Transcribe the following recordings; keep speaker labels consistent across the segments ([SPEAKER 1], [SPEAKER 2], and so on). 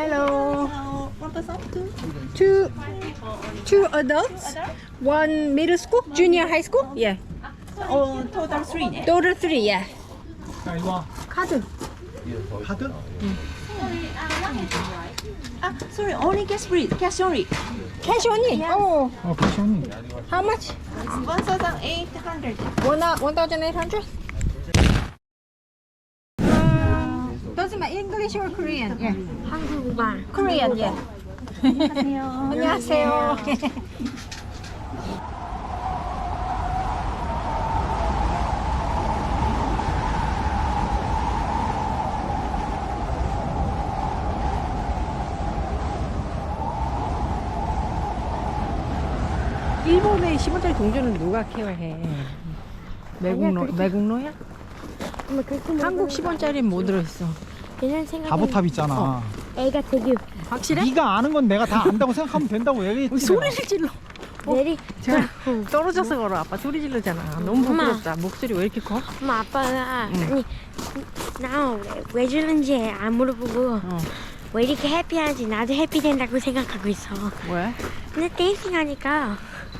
[SPEAKER 1] Hello.
[SPEAKER 2] One person,
[SPEAKER 1] Two adults. One middle school, junior high school. Yeah.
[SPEAKER 2] total three. 네.
[SPEAKER 1] Total three. Yeah.
[SPEAKER 3] 야, 이리 와.
[SPEAKER 1] 카드.
[SPEAKER 3] 카드?
[SPEAKER 2] Sorry, only cash free. Cash only.
[SPEAKER 1] Cash only. Oh.
[SPEAKER 3] 캐시 언니.
[SPEAKER 1] How much?
[SPEAKER 2] 1,800.
[SPEAKER 1] 1,800. Doesn't matter English or Korean. Yeah.
[SPEAKER 4] 한국말.
[SPEAKER 1] Korean. Yeah. 안녕하세요. 일본의 10원짜리 동전은 누가 케어해? 매국노야? 한국 10원짜리는 뭐 들어있어?
[SPEAKER 4] 그냥 생각.
[SPEAKER 3] 바보탑 있잖아.
[SPEAKER 4] 애가 되게
[SPEAKER 1] 확실해?
[SPEAKER 3] 네가 아는 건 내가 다 안다고 생각하면 된다고 얘기했지.
[SPEAKER 1] 소리를 질러.
[SPEAKER 4] 내리.
[SPEAKER 1] 자, 떨어져서 걸어. 아빠 소리 질르잖아. 너무
[SPEAKER 4] 엄마.
[SPEAKER 1] 부끄럽다. 목소리 왜 이렇게 커?
[SPEAKER 4] 엄마 아빠가 아니 나 왜 주는지 안 물어보고 왜 이렇게 해피하지 나도 해피된다고 생각하고 있어.
[SPEAKER 1] 왜?
[SPEAKER 4] 근데 댄싱 하니까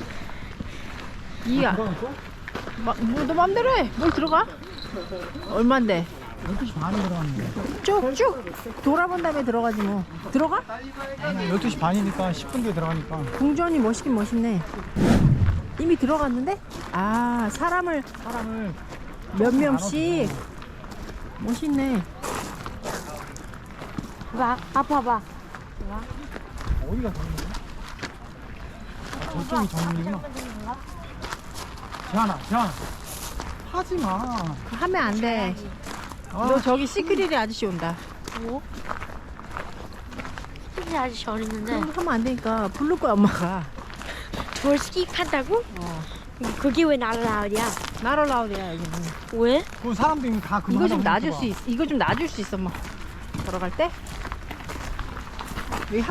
[SPEAKER 1] 이야. 너 맘대로 해. 뭘 들어가? 얼만데?
[SPEAKER 3] 12시 반에 들어갔는데.
[SPEAKER 1] 쭉쭉 돌아본 다음에 들어가지 뭐. 들어가?
[SPEAKER 3] 12시 반이니까 10분 뒤에 들어가니까.
[SPEAKER 1] 궁전이 멋있긴 멋있네. 이미 들어갔는데? 아, 사람을 몇 명씩. 멋있네.
[SPEAKER 4] 봐 아빠
[SPEAKER 3] 어디가 정문이야? 저쪽이 정문이구나. 재환아. 하지 마.
[SPEAKER 1] 하면 안 돼.
[SPEAKER 3] 아,
[SPEAKER 1] 너 저기 시크릿의 아저씨 온다.
[SPEAKER 4] 뭐? 스키 아저씨 어리는데
[SPEAKER 1] 그런 거 하면 안 되니까 부를 거야 엄마가.
[SPEAKER 4] 저 스키 한다고? 그게 왜 나를 나오냐?
[SPEAKER 1] 나로 나오랴 여기는.
[SPEAKER 4] 왜?
[SPEAKER 3] 그 사람들이 다 그만.
[SPEAKER 1] 이거 좀 놔줄 수 있어. 이거 좀 놔줄 수 있어 엄마. 걸어갈 때. 여기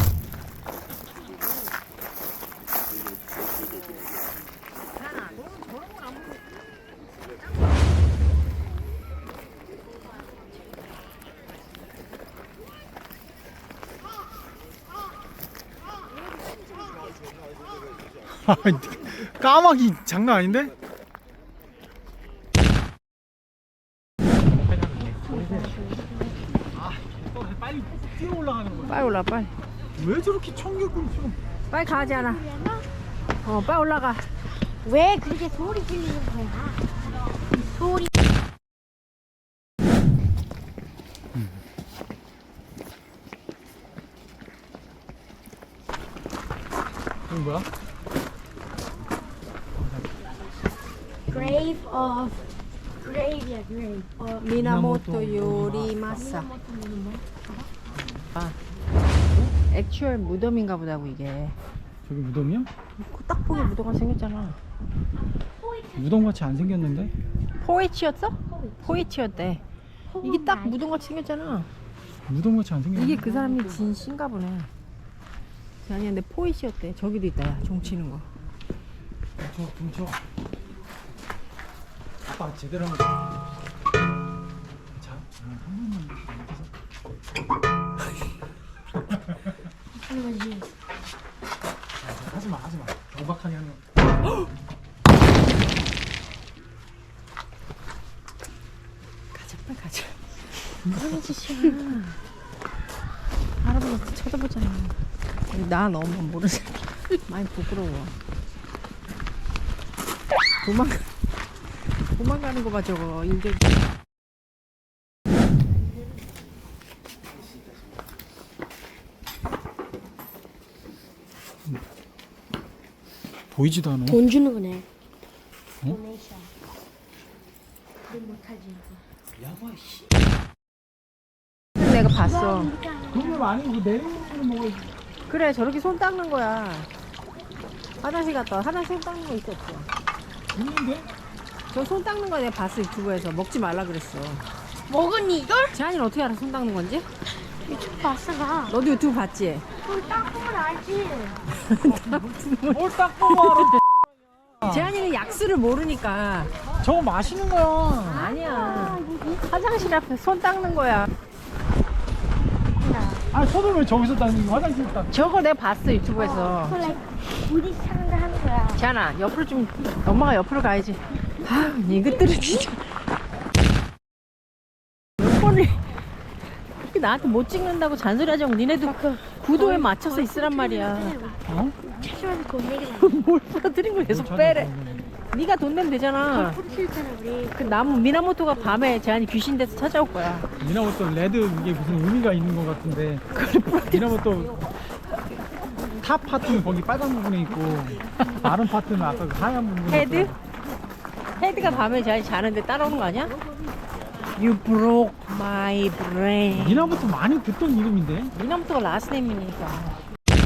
[SPEAKER 3] 까마귀 장난 아닌데? 빨리 뛰어 올라가는 거야.
[SPEAKER 1] 빨리 올라 빨리.
[SPEAKER 3] 왜 저렇게 청개구리 좀.
[SPEAKER 1] 빨리 가지 않아. 빨리 올라가.
[SPEAKER 4] 왜 그렇게 소리 지르는 거야? 소리.
[SPEAKER 3] 이건 뭐야?
[SPEAKER 4] Grave of Grave야 grave.
[SPEAKER 1] 미나모토 요리마사. 아, 액츄얼 무덤인가 보다고 이게.
[SPEAKER 3] 저기 무덤이야?
[SPEAKER 1] 딱 보기 무덤같이 생겼잖아.
[SPEAKER 3] 무덤같이 안 생겼는데?
[SPEAKER 1] 포이치였어? 포이치였대. 이게 딱 무덤같이 생겼잖아.
[SPEAKER 3] 무덤같이 안 생겼는데?
[SPEAKER 1] 이게 그 사람이 진신가 보네. 아니야, 근데 포이치였대. 저기도 있다, 야, 종치는 거.
[SPEAKER 3] 뭉쳐. 아빠 제대로 하면. 자, 한 번만
[SPEAKER 4] 하는 거지.
[SPEAKER 3] 하지마. 오박하게 하면.
[SPEAKER 1] 가자, 빨리 가자. 무슨 짓이야. 할아버지 쳐다보잖아. 나 너무 모르지. 많이 부끄러워. 도망가는 거 봐, 저거. 일격.
[SPEAKER 3] 보이지도 않아.
[SPEAKER 4] 돈 주는 거네.
[SPEAKER 3] 어?
[SPEAKER 4] 도네이션. 돈 못하지.
[SPEAKER 1] 내가 봤어.
[SPEAKER 3] 그걸 아니고 내리는 거는 먹어야지.
[SPEAKER 1] 그래, 저렇게 손 닦는 거야. 화장실 갔다 와. 화장실 손 닦는 거 있었어.
[SPEAKER 3] 있는데?
[SPEAKER 1] 저 손 닦는 거 내가 봤어, 유튜브에서. 먹지 말라 그랬어.
[SPEAKER 4] 먹었니 이걸?
[SPEAKER 1] 재한이는 어떻게 알아, 손 닦는 건지?
[SPEAKER 4] 유튜브 봤어 나.
[SPEAKER 1] 너도 유튜브 봤지?
[SPEAKER 4] 돈 닦은 건 알지.
[SPEAKER 3] 뭘 닦고 말아.
[SPEAKER 1] 재한이는 약수를 모르니까.
[SPEAKER 3] 저거 마시는 거야.
[SPEAKER 1] 아니야. 화장실 앞에 손 닦는 거야.
[SPEAKER 4] 나.
[SPEAKER 3] 아 손을 왜 저기서 닦는 거 화장실 닦
[SPEAKER 1] 저거 내가 봤어 유튜브에서.
[SPEAKER 4] 원래 우리 사람들 하는 거야.
[SPEAKER 1] 지안아 옆으로 좀 엄마가 옆으로 가야지. 아 이것들은 진짜 몇 번을 이렇게 나한테 못 찍는다고 잔소리하지 말고 니네도 구도에 맞춰서 있으란 말이야. 어?
[SPEAKER 4] 최소한 돈 내기
[SPEAKER 1] 뭘 부러뜨린 걸 계속 빼래. 네가 돈 내면 되잖아.
[SPEAKER 4] 싫잖아 우리.
[SPEAKER 1] 그 나무 미나모토가 밤에 제한이 귀신 돼서 찾아올 거야.
[SPEAKER 3] 미나모토 레드 이게 무슨 의미가 있는 것 같은데 미나모토 탑 파트는 거기 빨간 부분에 있고 다른 파트는 아까 그 하얀 부분에
[SPEAKER 1] 헤드? 헤드가 밤에 제한이 자는데 따라오는 거 아니야? You broke my brain.
[SPEAKER 3] 미나모토 많이 듣던 이름인데
[SPEAKER 1] 미나모토가 라스네임이니까.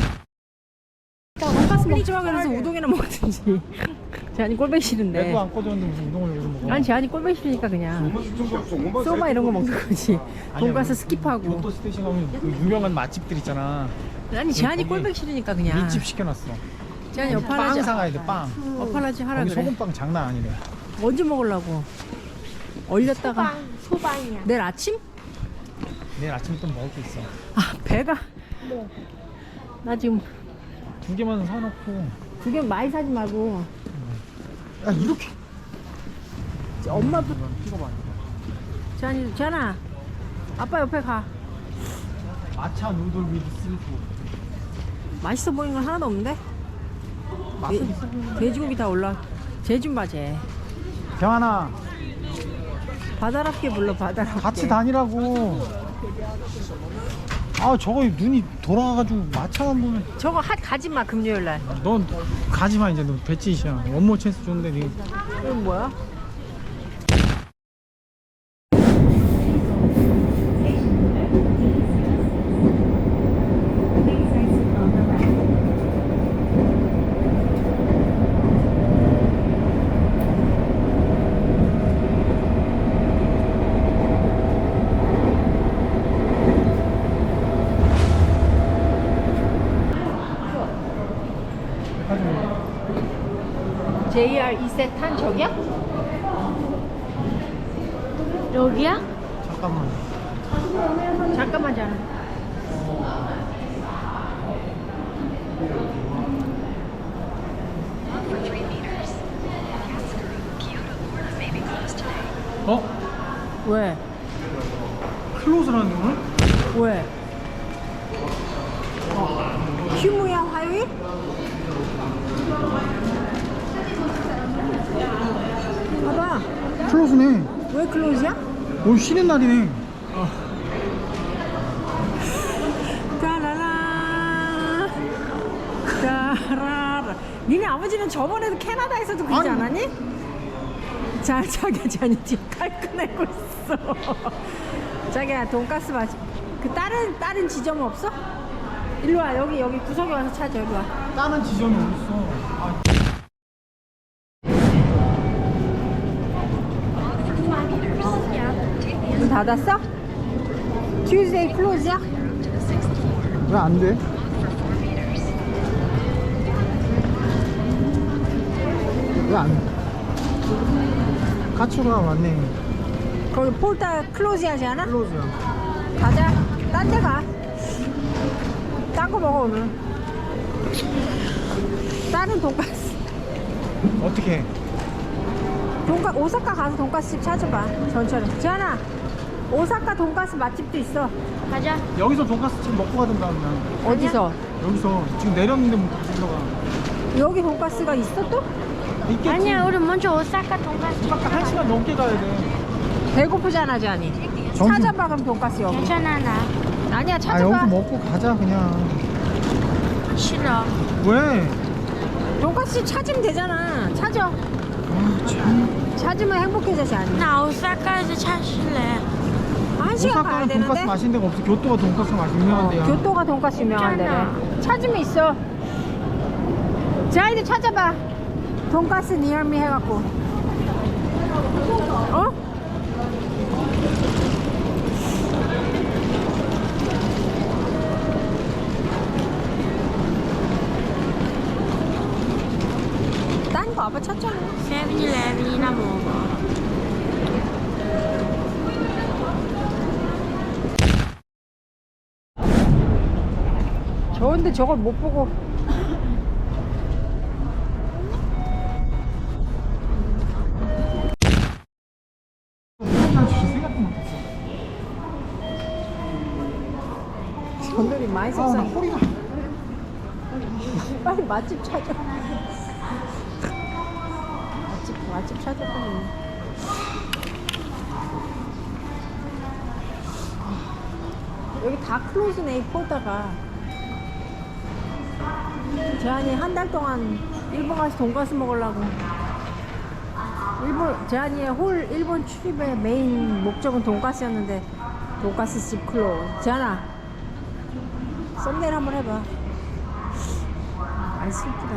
[SPEAKER 1] 돈가스 먹지 마 그래서 우동이나 먹든지. 제한이 꼴보기 싫은데.
[SPEAKER 3] 레드 안 꺼졌는데 무슨 우동을 여기서 먹어.
[SPEAKER 1] 아니 제한이 꼴보기 싫으니까 그냥 소바 이런 거 먹는 거지. 돈가스 스킵하고.
[SPEAKER 3] 교토 스테이션 가면 그 유명한 맛집들 있잖아.
[SPEAKER 1] 아니 제한이
[SPEAKER 3] 거기
[SPEAKER 1] 꼴보기 싫으니까 그냥.
[SPEAKER 3] 밑집 시켜놨어.
[SPEAKER 1] 제한이
[SPEAKER 3] 빵
[SPEAKER 1] 어파라지.
[SPEAKER 3] 사가야 돼 빵.
[SPEAKER 1] 어파라지 하라
[SPEAKER 3] 거기
[SPEAKER 1] 그래.
[SPEAKER 3] 소금빵 장난 아니래.
[SPEAKER 1] 언제 먹으려고? 얼렸다가
[SPEAKER 4] 소방이야.
[SPEAKER 1] 내일 아침?
[SPEAKER 3] 내일 아침에 또 먹을 게 있어.
[SPEAKER 1] 아 배가. 나 지금
[SPEAKER 3] 2개만 사놓고.
[SPEAKER 1] 2개 많이 사지 말고.
[SPEAKER 3] 야 이렇게.
[SPEAKER 1] 엄마도.
[SPEAKER 3] 찍어봐.
[SPEAKER 1] 제한아 아빠 옆에 가.
[SPEAKER 3] 마차 누들 위드 스리프.
[SPEAKER 1] 맛있어 보이는 건 하나도 없는데?
[SPEAKER 3] 맛은 있어 보이는데.
[SPEAKER 1] 돼지고기 다 올라. 쟤좀 봐, 쟤.
[SPEAKER 3] 경환아
[SPEAKER 1] 바다랍게 불러, 바다랍게.
[SPEAKER 3] 같이 다니라고. 아 저거 눈이 돌아가가지고 마차만 보면.
[SPEAKER 1] 저거 가지 마, 금요일 날.
[SPEAKER 3] 넌 가지마 이제. 너 배치이시야. 원모 찬스 줬는데 니.
[SPEAKER 1] 이건 뭐야? JR 2세 탄 저기야?
[SPEAKER 4] 여기야?
[SPEAKER 3] 잠깐만.
[SPEAKER 1] 잠깐만, 자나.
[SPEAKER 3] 어?
[SPEAKER 1] 왜?
[SPEAKER 3] 클로즈라는데 오늘?
[SPEAKER 1] 왜? 휴무야, 화요일? 봐봐.
[SPEAKER 3] 클로즈네.
[SPEAKER 1] 왜 클로즈야?
[SPEAKER 3] 오늘 쉬는 날이네.
[SPEAKER 1] 따라라 따라라. 니네 아버지는 저번에도 캐나다에서도 그러지
[SPEAKER 3] 아니.
[SPEAKER 1] 않았니? 자, 자기야 지금 깔끔하고 있어. 자기야 돈가스 맛이. 그 다른 지점 없어? 일로 와. 여기 구석에 와서 찾아. 일로 와.
[SPEAKER 3] 다른 지점이 어딨어. 아,
[SPEAKER 1] 문 닫았어? Tuesday close야?
[SPEAKER 3] 왜 안 돼? 왜 안 돼? 가츠가 맞네.
[SPEAKER 1] 거기 폴타 클로즈 하지 않아?
[SPEAKER 3] 클로즈야.
[SPEAKER 1] 가자. 딴 데 가. 딴 거 먹어 오늘. 다른 돈가스.
[SPEAKER 3] 어떻게 해?
[SPEAKER 1] 오사카 가서 돈가스집 찾아봐. 전처럼. 지안아, 오사카 돈가스 맛집도 있어.
[SPEAKER 4] 가자.
[SPEAKER 3] 여기서 돈가스 지금 먹고 가든가 그냥.
[SPEAKER 1] 어디서?
[SPEAKER 3] 여기서 지금 내렸는데 뭐 들어가.
[SPEAKER 1] 여기 돈가스가 있어 또?
[SPEAKER 3] 있겠지.
[SPEAKER 4] 아니야, 우리 먼저 오사카 돈가스.
[SPEAKER 3] 아까 1시간 넘게 가야 돼.
[SPEAKER 1] 배고프잖아, 지안이.
[SPEAKER 3] 점심-
[SPEAKER 1] 찾아봐 그럼 돈가스 여기.
[SPEAKER 4] 괜찮아 나.
[SPEAKER 1] 아니야,
[SPEAKER 3] 아
[SPEAKER 1] 찾아봐.
[SPEAKER 3] 여기서 먹고 가자 그냥.
[SPEAKER 4] 싫어.
[SPEAKER 3] 왜?
[SPEAKER 1] 돈가스 찾으면 되잖아. 찾아.
[SPEAKER 3] 아 참.
[SPEAKER 1] 찾으면 행복해져, 지안이.
[SPEAKER 4] 나 오사카에서 찾을래.
[SPEAKER 1] 1시간 가야
[SPEAKER 3] 오사카는
[SPEAKER 1] 되는데.
[SPEAKER 3] 돈가스 맛있는 데가 없어. 교토가 돈가스 맛 유명한 데야.
[SPEAKER 1] 교토가 돈가스 유명한
[SPEAKER 4] 있잖아.
[SPEAKER 1] 데래. 찾으면 있어. 지안이도 찾아봐. 돈가스 니얼미 해갖고. 어? 딴 거 아빠 찾잖아.
[SPEAKER 4] 세븐일레븐이나 먹어.
[SPEAKER 1] 근데 저걸 못 보고.
[SPEAKER 3] 난 진짜 생각도 못했어.
[SPEAKER 1] 전들이 많이
[SPEAKER 3] 나
[SPEAKER 1] 속상해.
[SPEAKER 3] 허리가.
[SPEAKER 1] 빨리 맛집 찾아. 맛집 찾아 빨리. 여기 다 클로즈네 이 포다가. 재한이 한 달 동안 일본 가서 돈가스 먹으려고. 재한이의 일본 출입의 메인 목적은 돈가스였는데 돈가스 집 클로즈. 재한아, 썸네일 한번 해봐. 아, 슬프다.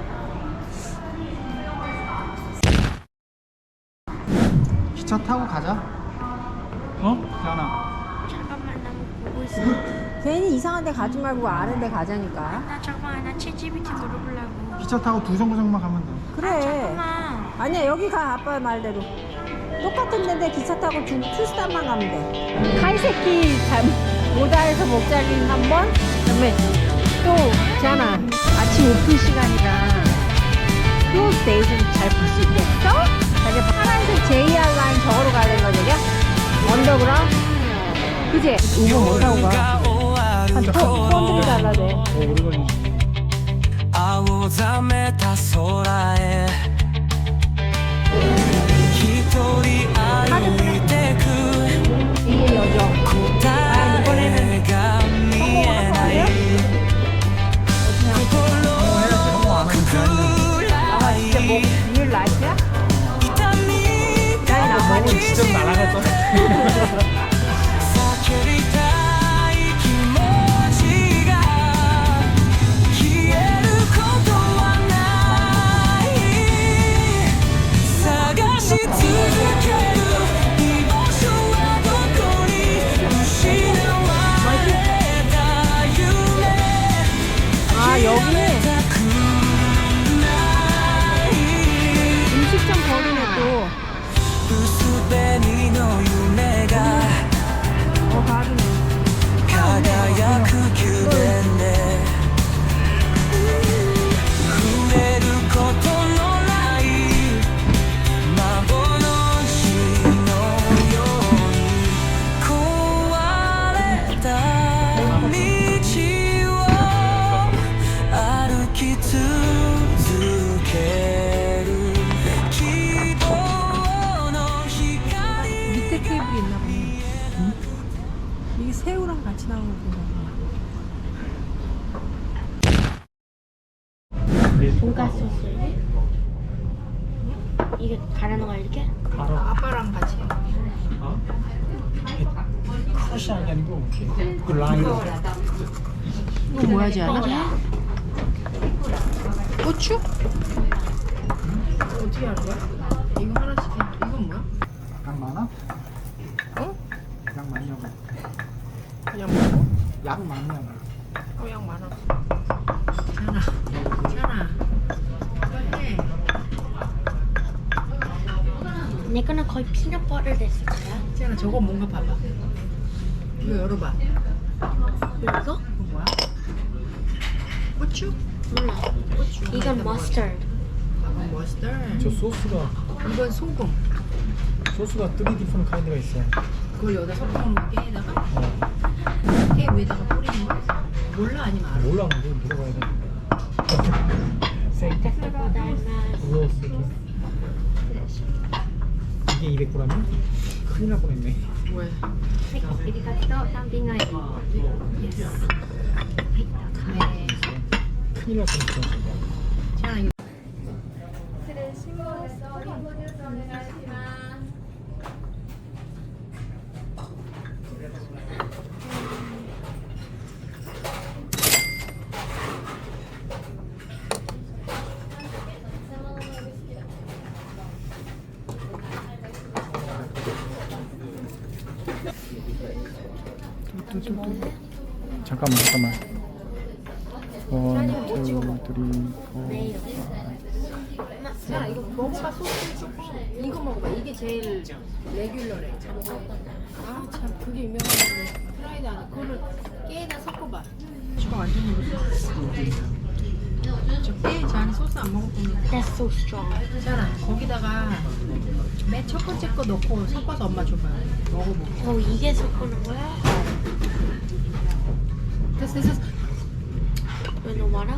[SPEAKER 3] 기차 타고 가자. 어? 대한아.
[SPEAKER 4] 잠깐만 나 보고 있어.
[SPEAKER 1] 괜히 이상한 데 가지 말고 아는 데 가자니까.
[SPEAKER 4] 나 잠깐만 나 챗GPT 물어보려고.
[SPEAKER 3] 기차 타고 두 정거장만 가면 돼.
[SPEAKER 1] 그래.
[SPEAKER 4] 잠깐만.
[SPEAKER 1] 아니야, 여기 가. 아빠 말대로. 똑같은 데인데 기차 타고 투스탄만 가면 돼. 카이세키 모다에서 목자리 한 번. 그다음에 또 재한아, 아침 오픈 시간이라 클로즈 데이즈는 잘 볼 수 있겠어? 자기 파란색 JR 라인 저거로 가야 되는 거지, 이게? 언더그라운드? 그지? 우버 못 타고 가. 한 폰들이 달라야 돼.
[SPEAKER 3] 오래 걸리지.
[SPEAKER 5] 青ざめた空へ一人歩いてく
[SPEAKER 1] 이게 여정.
[SPEAKER 5] 答えが見えない心暗い
[SPEAKER 1] 진짜 뭐 리얼 라이프야?
[SPEAKER 5] 痛み
[SPEAKER 1] 나
[SPEAKER 3] 너무 진짜 날아갔잖아.
[SPEAKER 5] 叫びたい気持ちが消えることはない探し続ける居場所はどこに失われた夢
[SPEAKER 1] 아, 여기
[SPEAKER 5] たくない
[SPEAKER 1] 음식점 거리네 또.
[SPEAKER 5] 薄紅の夢が
[SPEAKER 1] 가기네.
[SPEAKER 5] 輝く宮殿で触れることのない幻のように壊れた道を歩き続ける希望の光
[SPEAKER 1] 밑에 테이블이 있나 보네. 이게 새우랑 같이 나오는 거구나.
[SPEAKER 4] 돈가스 쓸래? 이게 가라는 거야 이렇게?
[SPEAKER 3] 바로
[SPEAKER 1] 아빠랑 같이.
[SPEAKER 3] 어? 크러쉬한 게 아니고 이렇게 그 라인으로.
[SPEAKER 1] 이거 뭐야, 지않아? 고추? 어떻게 하는 거야? 이거 하나씩 해. 이건 뭐야?
[SPEAKER 3] 양 많아?
[SPEAKER 1] 응?
[SPEAKER 3] 양 많냐고.
[SPEAKER 1] 그냥 먹고?
[SPEAKER 3] 양 많냐고.
[SPEAKER 1] 양 많아. 지안아. 빨리.
[SPEAKER 4] 내 거는 거의 피넛 버터 됐을 거야.
[SPEAKER 1] 지안아, 저거 뭔가 봐봐. 이거 열어봐.
[SPEAKER 4] 이거?
[SPEAKER 1] 이거 뭐야? 고추?
[SPEAKER 4] 몰라. 이건 머스터드.
[SPEAKER 1] 이건 머스터드.
[SPEAKER 3] 저 소스가
[SPEAKER 1] 이건 소금.
[SPEAKER 3] 소스가 3 디퍼런 카인드가 있어.
[SPEAKER 1] 그걸 여기다 섞어놓는 거 깨에다가? 깨 위에다가 뿌리는 거? 몰라 아니면 알아?
[SPEAKER 3] 몰라, 뭐 물어봐야 돼. 세이트 로스 이게 200g이야? 큰일 날 뻔했네.
[SPEAKER 1] 왜?
[SPEAKER 3] 큰일 날 뻔했어.
[SPEAKER 1] 지안아, 이거
[SPEAKER 3] 잠깐만. 1, 2, 3, 4, 5.
[SPEAKER 1] 자, 이거 먹어봐. 소스. 이거 먹어봐. 이게 제일 레귤러래. 아, 참, 그게 유명한데. 프라이드 안에 그거를 깨에다 섞어봐. 지금 완전 먹었어. 저깨 안에 소스 안 먹었더니
[SPEAKER 4] That's so strong.
[SPEAKER 1] 있잖아. 거기다가 맨 첫 번째 거 넣고 섞어서 엄마 줘봐요. 먹어보고.
[SPEAKER 4] 어, 이게 섞어놓은 거야?
[SPEAKER 1] 됐어.
[SPEAKER 4] 왜 너무 많아?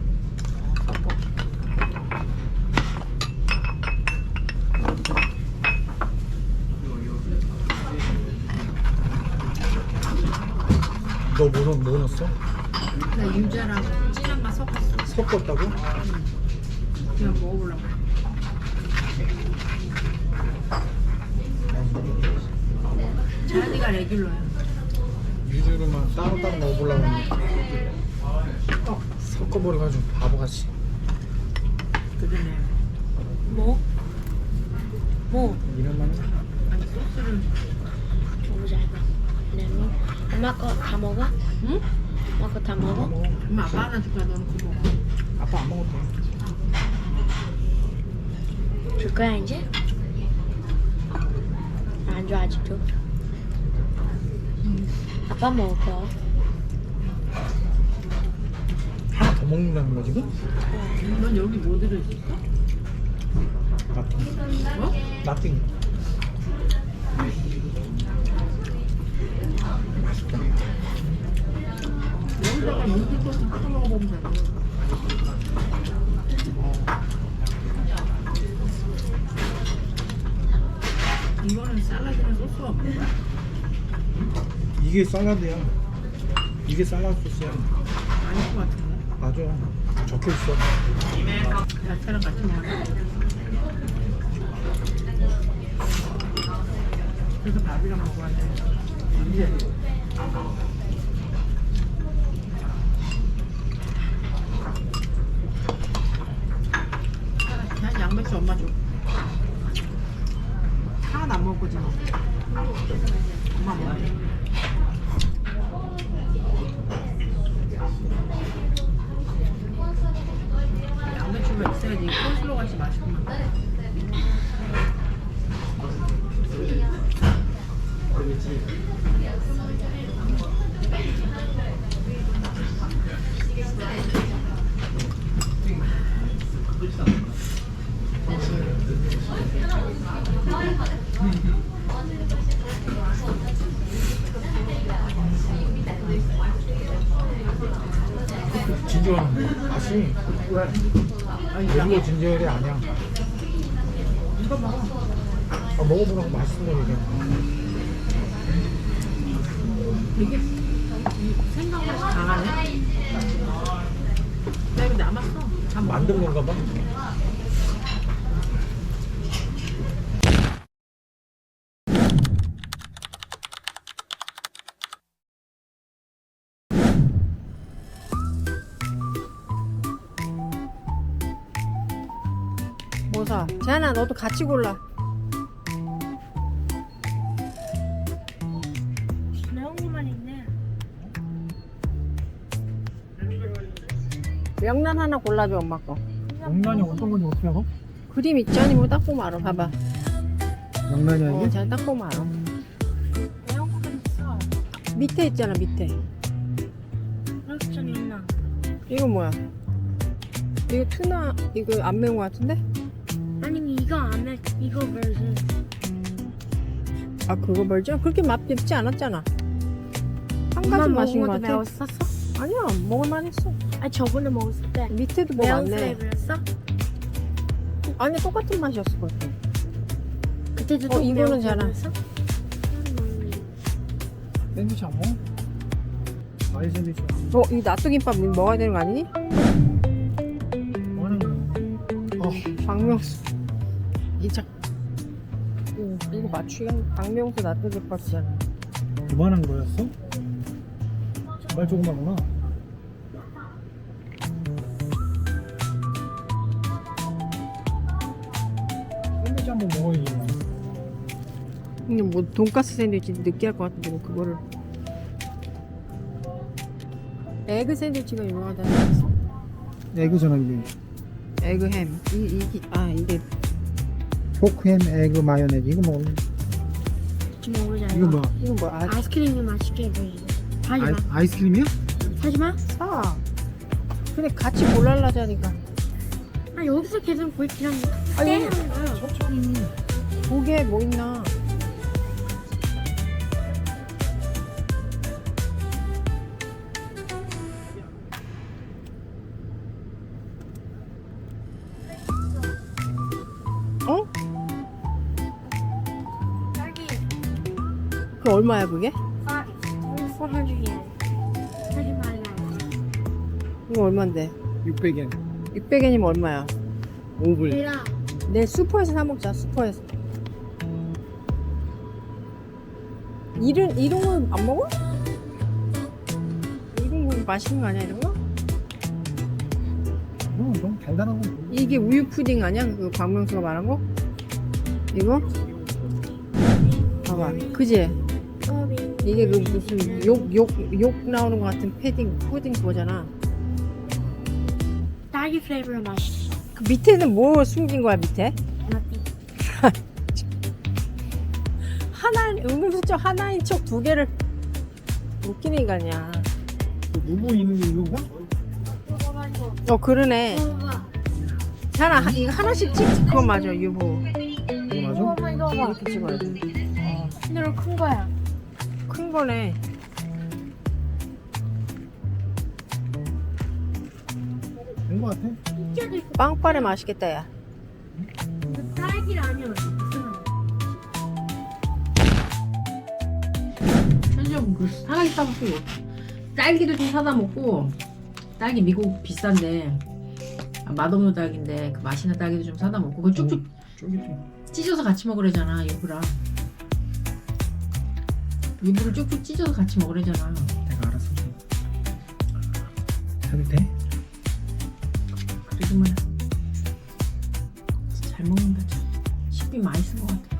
[SPEAKER 3] 너 뭐 넣었어?
[SPEAKER 1] 나 유자랑 진한 맛 섞었어.
[SPEAKER 3] 섞었다고?
[SPEAKER 1] 그냥 먹어보려고. 자니가 레귤러야.
[SPEAKER 3] 유주로만 따로따로 먹어보려고 했는데 섞어버려가지고 바보같이.
[SPEAKER 1] 그러네.
[SPEAKER 4] 뭐? 뭐?
[SPEAKER 3] 이런만
[SPEAKER 1] 아니 소스를.
[SPEAKER 4] 너무 잘 봐. 레몬. 엄마 거 다 먹어?
[SPEAKER 1] 응?
[SPEAKER 4] 엄마 거 다 먹어?
[SPEAKER 1] 엄마 아빠 하나 줄까? 너는 그거 먹어.
[SPEAKER 3] 아빠 안 먹어도 돼.
[SPEAKER 4] 줄 거야 이제? 안 줘 아직도. 아빠 먹을 거.
[SPEAKER 3] 하나 더 먹는다는 거야 지금?
[SPEAKER 1] 넌 여기 뭐 들어있었어?
[SPEAKER 3] 나띵.
[SPEAKER 1] 뭐?
[SPEAKER 3] 나띵.
[SPEAKER 1] 여기다가 물기 소스 찍어 먹어보면 되나? 이거는 샐러드랑 소스가 없는 거야?
[SPEAKER 3] 이게 샐러드야. 이게 샐러드 소스야.
[SPEAKER 1] 아닐 것 같은데?
[SPEAKER 3] 맞아. 적혀있어.
[SPEAKER 1] 야채랑 같이 먹어야 돼. 그래서 밥이랑 먹어야 돼. 이제. 그냥 양배추 엄마 줘. 하나도 안 먹을 거지 너. 엄마 먹어야 돼. 양배추가 있어야지 콜슬로 같이 맛있구만.
[SPEAKER 3] 진저는 맛이 일부러 진저열이 아니야.
[SPEAKER 1] 이거 먹어.
[SPEAKER 3] 아, 먹어보라고 맛있는 거 얘기해.
[SPEAKER 1] 되게 이 생강 맛이 강하네. 나 이거 남았어. 다 먹어.
[SPEAKER 3] 만든 건가 봐.
[SPEAKER 1] 뭐 사? 재한아 너도 같이 골라.
[SPEAKER 4] 나온 것만 있네.
[SPEAKER 1] 명란 하나 골라줘 엄마 거.
[SPEAKER 3] 명란이 어떤 건지 어떻게 알아?
[SPEAKER 1] 그림 있잖니 뭐 딱 보면 알아. 봐봐.
[SPEAKER 3] 명란이
[SPEAKER 1] 잘 딱 보면 알아.
[SPEAKER 4] 나온 것만 있어.
[SPEAKER 1] 밑에 있잖아 밑에.
[SPEAKER 4] 프로스천 있나?
[SPEAKER 1] 이거 뭐야? 이거 투나 이거 안 매운 거 같은데?
[SPEAKER 4] 아니 이거 안 해. 이거 버전.
[SPEAKER 1] 아 그거 벌죠? 그렇게 맛 맵지 않았잖아. 한
[SPEAKER 4] 엄마
[SPEAKER 1] 가지
[SPEAKER 4] 먹은
[SPEAKER 1] 맛인 거
[SPEAKER 4] 것도
[SPEAKER 1] 같아.
[SPEAKER 4] 매웠었어?
[SPEAKER 1] 아니야 먹을만 했어.
[SPEAKER 4] 아 저번에 먹었을 때
[SPEAKER 1] 밑에도 뭐
[SPEAKER 4] 매운
[SPEAKER 1] 많네.
[SPEAKER 4] 플레이브였어?
[SPEAKER 1] 아니 똑같은 맛이었을 것 같아.
[SPEAKER 4] 그때도
[SPEAKER 1] 어,
[SPEAKER 4] 또
[SPEAKER 1] 이거는
[SPEAKER 4] 매운
[SPEAKER 1] 잘 안-
[SPEAKER 4] 플레이브였어?
[SPEAKER 3] 샌드위치 안 먹어? 아이 샌드위치
[SPEAKER 1] 이 낫또김밥 먹어야 되는 거 아니니?
[SPEAKER 3] 뭐 하는 거야?
[SPEAKER 1] 박명수. 이거 맞추기가 박명수 낫또김밥이잖아.
[SPEAKER 3] 그만한 거였어? 정말 조그마구나. 샌드위치 한번 먹어야지.
[SPEAKER 1] 이게 뭐 돈가스 샌드위치 느끼할 것 같은데 뭐 그거를. 에그 샌드위치가 유명하다는 거 있어.
[SPEAKER 3] 에그잖아 이게.
[SPEAKER 1] 에그 햄. 이게
[SPEAKER 3] 포크햄 에그 마요네즈 이거 먹을래?
[SPEAKER 4] 같이 먹으자.
[SPEAKER 3] 이거 뭐?
[SPEAKER 1] 이거 뭐
[SPEAKER 4] 아이스크림이 맛있게 보이지. 사지 마.
[SPEAKER 3] 아이스크림이야?
[SPEAKER 4] 사지 마.
[SPEAKER 1] 사. 근데 같이 골랄라자니까.
[SPEAKER 4] 아 여기서 계속 볼 그냥
[SPEAKER 1] 아,
[SPEAKER 4] 떼
[SPEAKER 1] 여기-
[SPEAKER 4] 하는 거야.
[SPEAKER 3] 천천히.
[SPEAKER 1] 고기에 뭐 있나? 어?
[SPEAKER 4] 딸기
[SPEAKER 1] 그 얼마야 그게?
[SPEAKER 4] 400yen. 사지 말라.
[SPEAKER 1] 이거 얼만데?
[SPEAKER 3] 600엔.
[SPEAKER 1] 600엔이면 얼마야?
[SPEAKER 3] 5불.
[SPEAKER 4] 얘라.
[SPEAKER 1] 내 슈퍼에서 사 먹자. 슈퍼에서. 이런 거 안 먹어? 이런 거 맛있는 거 아니야 이런 거?
[SPEAKER 3] 너무 달달한 거.
[SPEAKER 1] 이게 우유 푸딩 아니야? 그 박명수가 말한 거? 이거? 봐봐, 그지? 이게 그 무슨 욕 나오는 것 같은 푸딩 그거잖아.
[SPEAKER 4] 딸기 플레이버 맛있어.
[SPEAKER 1] 그 밑에는 뭐 숨긴 거야 밑에? 은근슬쩍 하나인 척 두 개를 웃기는 인간이야.
[SPEAKER 3] 누구 있는 게 이거가?
[SPEAKER 1] 그러네. 이거 하나씩 찍. 그거 맞아, 유부.
[SPEAKER 3] 이거 맞아?
[SPEAKER 1] 이렇게 찍어야 돼.
[SPEAKER 4] 근데 큰 거야.
[SPEAKER 1] 큰 거네.
[SPEAKER 3] 된 거 같아.
[SPEAKER 1] 빵빠레 맛있겠다, 야.
[SPEAKER 4] 딸기를 아니야.
[SPEAKER 1] 편의점 그 하나 있다 먹고 딸기도 좀 사다 먹고. 딸기 미국 비싼데 맛없는 딸기인데 그 맛있는 딸기도 좀 사다 먹고 그 쭉쭉
[SPEAKER 3] 쫄깃해.
[SPEAKER 1] 찢어서 같이 먹으래잖아 유부랑. 유부를 쭉쭉 찢어서 같이 먹으래잖아.
[SPEAKER 3] 내가 알았어. 해도 돼?
[SPEAKER 1] 그래도 뭐야 잘 먹는다. 참. 식비 많이 쓴 것 같아.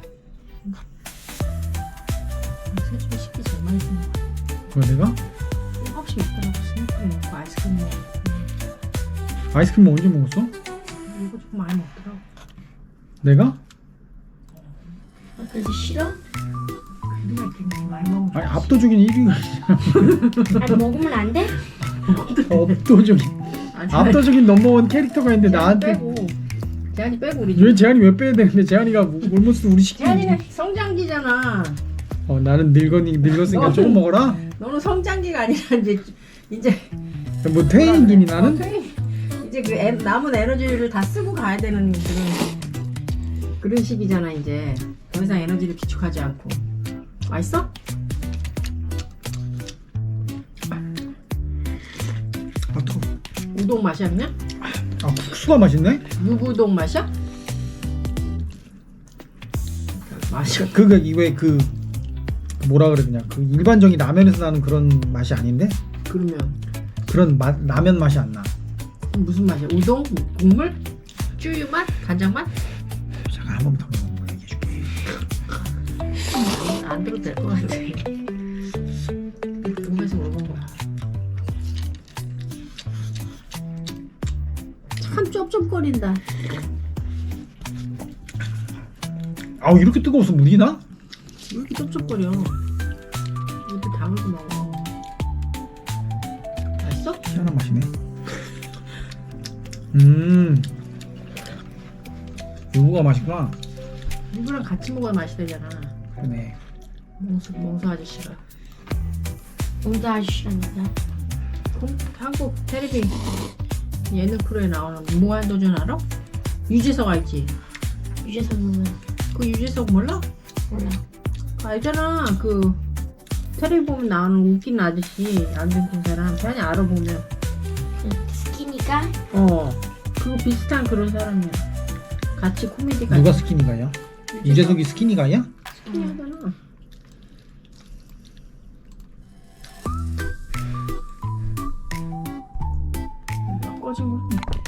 [SPEAKER 1] 세집에 식비 제일 많이 쓴 것 같아.
[SPEAKER 3] 그거 내가?
[SPEAKER 1] 7시 있더라고. 스낵 먹고 아이스크림 먹고.
[SPEAKER 3] 아이스크림 언제 먹었어?
[SPEAKER 1] 이거 조금 많이 먹더라고.
[SPEAKER 3] 내가?
[SPEAKER 1] 그래서 싫어? 그래야 이렇게 많이 먹으면
[SPEAKER 3] 아니 압도적인 1위가
[SPEAKER 4] 아니 먹으면 안 돼?
[SPEAKER 3] 압도적인 압도적인 넘버원 캐릭터가 있는데 나한테
[SPEAKER 1] 빼고 재한이 빼고 우리
[SPEAKER 3] 왜 재한이 왜 빼야 되는데 재한이가 올모스트 우리 시키는
[SPEAKER 1] 재한이는 성장기잖아.
[SPEAKER 3] 나는 늙었으니까
[SPEAKER 1] 너는-
[SPEAKER 3] 조금 먹어라.
[SPEAKER 1] 너는 성장기가 아니라 이제
[SPEAKER 3] 뭐 퇴행이니 나는?
[SPEAKER 1] 이제 그 남은 에너지를 다 쓰고 가야 되는 그런 시기잖아. 이제 더 이상 에너지를 비축하지 않고. 맛있어?
[SPEAKER 3] 아 뜨거.
[SPEAKER 1] 우동 맛이야 그냥?
[SPEAKER 3] 아 국수가 맛있네?
[SPEAKER 1] 유부동 맛이야? 맛이
[SPEAKER 3] 그거 이왜 그 뭐라 그래 그냥 그 일반적인 라면에서 나는 그런 맛이 아닌데
[SPEAKER 1] 그러면
[SPEAKER 3] 그런 라면 맛이 안 나.
[SPEAKER 1] 무슨 맛이야? 우동? 국물? 쭈유 맛? 간장 맛?
[SPEAKER 3] 잠깐 한 번만 더 먹는 거 얘기해줄게.
[SPEAKER 1] 안 들어도 될 것 같아. 궁금해서 물어본 거야. 참 쩝쩝거린다.
[SPEAKER 3] 아우 이렇게 뜨거워서 물이 나?
[SPEAKER 1] 왜 이렇게 쩝쩝거려? 입에 다물고 먹어. 맛있어?
[SPEAKER 3] 희한한 맛이네. 요거가 맛있구나.
[SPEAKER 1] 이거랑 같이 먹어야 맛이 되잖아.
[SPEAKER 3] 그러네.
[SPEAKER 1] 몽수 아저씨가.
[SPEAKER 4] 몽수 아저씨라니까.
[SPEAKER 1] 한국 텔레비 예능 프로에 나오는 무한도전 알아? 유재석 알지?
[SPEAKER 4] 유재석 누구야?
[SPEAKER 1] 그 유재석 몰라?
[SPEAKER 4] 몰라.
[SPEAKER 1] 알잖아. 그 텔레비 보면 나오는 웃긴 아저씨 안 생긴 사람. 그냥 알아보면
[SPEAKER 4] 그 스키니까?
[SPEAKER 1] 그거 비슷한 그런 사람이야. 같이 코미디가
[SPEAKER 3] 누가 스키니가야? 유재석이 스키니가야?
[SPEAKER 1] 스키니하잖아. 꺼진 거.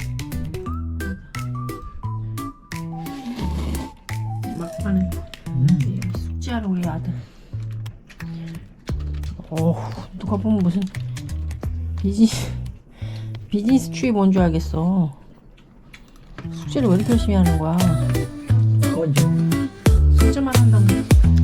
[SPEAKER 1] 막판에 숙제하러 우리 아들. 누가 보면 무슨 비즈니스 취업 온 줄 알겠어. 숙제를 왜 이렇게 열심히 하는 거야?
[SPEAKER 3] 언제?
[SPEAKER 1] 숙제만 한다고.